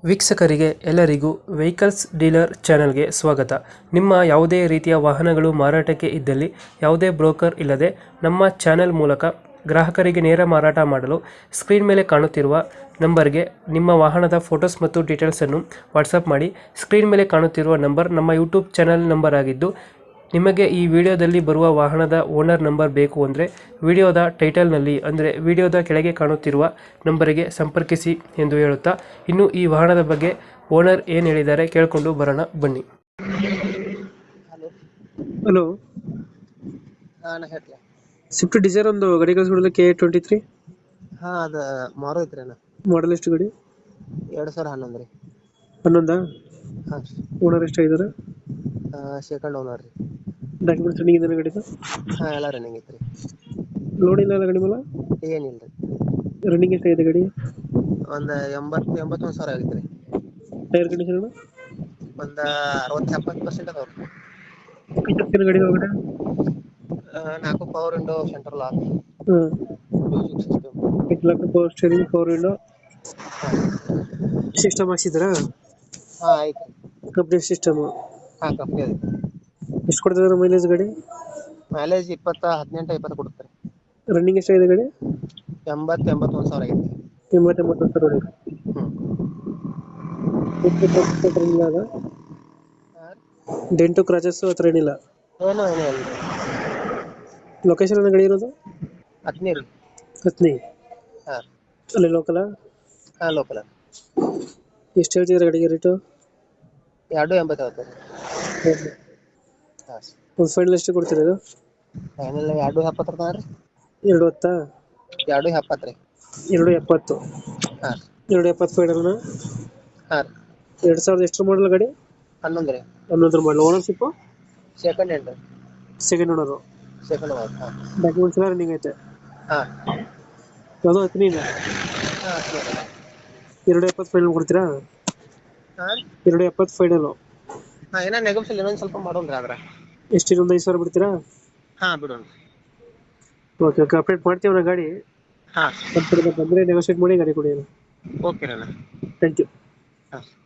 ವೀಕ್ಷಕರಿಗೆ ಎಲ್ಲರಿಗೂ vehicles dealer ಚಾನೆಲ್ಗೆ ಸ್ವಾಗತ. ನಿಮ್ಮ ಯಾವುದೇ ರೀತಿಯ ವಾಹನಗಳು ಮಾರಾಟಕ್ಕೆ ಇದ್ದಲ್ಲಿ ಯಾವುದೇ ಬ್ರೋಕರ್ ಇಲ್ಲದೆ ನಮ್ಮ ಚಾನೆಲ್ ಮೂಲಕ ಗ್ರಾಹಕರಿಗೆ ನೇರ ಮಾರಾಟ ಮಾಡಲು ಸ್ಕ್ರೀನ್ ಮೇಲೆ ಕಾಣುತ್ತಿರುವ ನಂಬರ್ಗೆ ನಿಮ್ಮ ವಾಹನದ ಫೋಟೋಸ್ ಮತ್ತು ಡೀಟೇಲ್ಸನ್ನು ವಾಟ್ಸಪ್ ಮಾಡಿ. ಸ್ಕ್ರೀನ್ ಮೇಲೆ ಕಾಣುತ್ತಿರುವ ನಂಬರ್ ನಮ್ಮ ಯೂಟ್ಯೂಬ್ ಚಾನೆಲ್ ನಂಬರ್ ಆಗಿದ್ದು, ನಿಮಗೆ ಈ ವಿಡಿಯೋದಲ್ಲಿ ಬರುವ ವಾಹನದ ಓನರ್ ನಂಬರ್ ಬೇಕು ಅಂದರೆ ವಿಡಿಯೋದ ಟೈಟಲ್ನಲ್ಲಿ ಅಂದರೆ ವಿಡಿಯೋದ ಕೆಳಗೆ ಕಾಣುತ್ತಿರುವ ನಂಬರಿಗೆ ಸಂಪರ್ಕಿಸಿ ಎಂದು ಹೇಳುತ್ತಾ, ಇನ್ನು ಈ ವಾಹನದ ಬಗ್ಗೆ ಓನರ್ ಏನು ಹೇಳಿದ್ದಾರೆ ಕೇಳಿಕೊಂಡು ಬರೋಣ ಬನ್ನಿ. ಹಲೋ. ಹಲೋ, ಹಾಂ ಹೇಳ್ರಿ. ಸ್ವಿಫ್ಟ್ ಡಿಸೈರ್ ಒಂದು ಗಾಡಿ ಕಳಿಸ್ಕೊಡೋದು K23 ಹಾಂ ಅದು ಮಾರು ಐತ್ರಿ ಅಣ್ಣ. ಮಾಡಲ್ ಎಷ್ಟು ಗಾಡಿ? 2011 ರೀ. 11. ಹಾಂ ಓನರ್ ಎಷ್ಟಾಗಿದ್ದಾರೆ? ಸೆಕೆಂಡ್ ಓನರ್ ರೀ. ಡಾಕ್ಯುಮೆಂಟ್ಸ್ ರನ್ನಿಂಗ್ ಇದೆ ಗಾಡಿದು? ಹಾಂ ಎಲ್ಲ ರನ್ನಿಂಗ್ ಐತ್ರಿ. ಲೋನ್ ಇಲ್ಲ ಗಾಡಿ ಮೇಲೆ? ಏನಿಲ್ಲ ರೀ. ರನ್ನಿಂಗ್ ಎಷ್ಟಾಗಿದೆ ಗಾಡಿ? ಒಂದು 81 ಸಾವಿರ ಆಗೈತೆ ರೀ. Tyre condition? ಒಂದು 60-70% ಅದಾವ ರೀ. ಫೀಚರ್ಸ್ ಗಾಡಿ ಒಳಗಡೆ? 4 ಪವರ್ ವಿಂಡೋ, ಸೆಂಟ್ರಲ್ ಲಾಕ್, ಹಾಂ, ಮ್ಯೂಸಿಕ್ ಸಿಸ್ಟಮ್. 8 ಲಕ್ಷ power steering, power window system ಹಾಕ್ಸಿದ್ರಾ? ಹಾಂ ಐತೆ ರೀ. Company system. ಹಾಂ ಕಂಪ್ನಿ ಐತೆ. ಎಷ್ಟು ಕೊಡ್ತಿದ್ದಾರೆ ಮೈಲೇಜ್ ಗಾಡಿ? ಮೈಲೇಜ್ 18-20 ಕೊಡುತ್ತೆ ರೀ. ರನ್ನಿಂಗ್ ಎಷ್ಟಾಗಿದೆ ಗಾಡಿ? 80-81 ಸಾವಿರ ಆಗೈತೆ ರೀ. 80-81 ಸಾವಿರ ಹೊಡಿ. ಹ್ಞೂ. ಡೆಂಟು ಕ್ರಾಚಸ್ ಹತ್ರ ಏನಿಲ್ಲ? ಏನೂ ಇಲ್ಲ ರೀ. ಲೊಕೇಶನ್ ಗಾಡಿ ಇರೋದು? ಹತ್ತನೇ ರೀ. ಹತ್ನಿ ಹಾಂ ಅಲ್ಲಿ ಲೋಕಲ? ಹಾಂ ಲೋಕಲ್. ಎಷ್ಟು ಹೇಳ್ತಿದ್ರೆ ಗಾಡಿಗೆ ರೇಟು? 2.80 ಆಗುತ್ತೆ ರೀ. ಹಾಂ ಒಂದು ಫೈನಲ್ ಎಷ್ಟು ಕೊಡ್ತೀರಿ ಇದು? ಫೈನಲ್ 2.70 ಇರ್ತಾವೆ ರೀ. 2.10? 2.70 ರೀ. 2.70. ಹಾಂ 2.70 ಫೈನಲ್ನ? ಹಾಂ ರೀ. 2000 ಎಷ್ಟು ಮಾಡಲ್ ಗಾಡಿ? 11 ರೀ. 11 ಮಾಡಲ್. ಓನರ್ಶಿಪ್ಪು? ಸೆಕೆಂಡ್ ಹ್ಯಾಂಡ್ ರೀ. Second owner. Second owner. ಹಾಂ ಡಾಕ್ಯುಮೆಂಟ್ಸ್ ಎಲ್ಲ ರನ್ನಿಂಗ್ ಐತೆ? ಹಾಂ ಯಾವುದೋ ಹತ್ನಿ ಇಲ್ಲ? ಹಾಂ 2.70 ಫೈನಲ್ ಕೊಡ್ತೀರಾ? ಹಾಂ 2.70 ಫೈನಲು. ಹಾಂ ಏನೋ ನೆಗೋಷಿಯಲ್ ಇನ್ನೊಂದು ಸ್ವಲ್ಪ ಮಾಡೋಣ ರೀ ಆದ್ರೆ. ಎಷ್ಟು ಇನ್ನೊಂದು 5,000 ಬಿಡ್ತೀರಾ? ಹಾಂ ಬಿಡೋಣ. ಓಕೆ ಓಕೆ, ಅಪ್ಡೇಟ್ ಮಾಡ್ತೀವಿ ನಾ ಗಾಡಿ. ಹಾಂ ಬಂದರೆ ನೆಗೋಷಿಯೇಟ್ ಮಾಡಿ ಗಾಡಿ ಕೊಡಿ. ಓಕೆ ರೀ ಅಣ್ಣ. Thank you. ಹಾಂ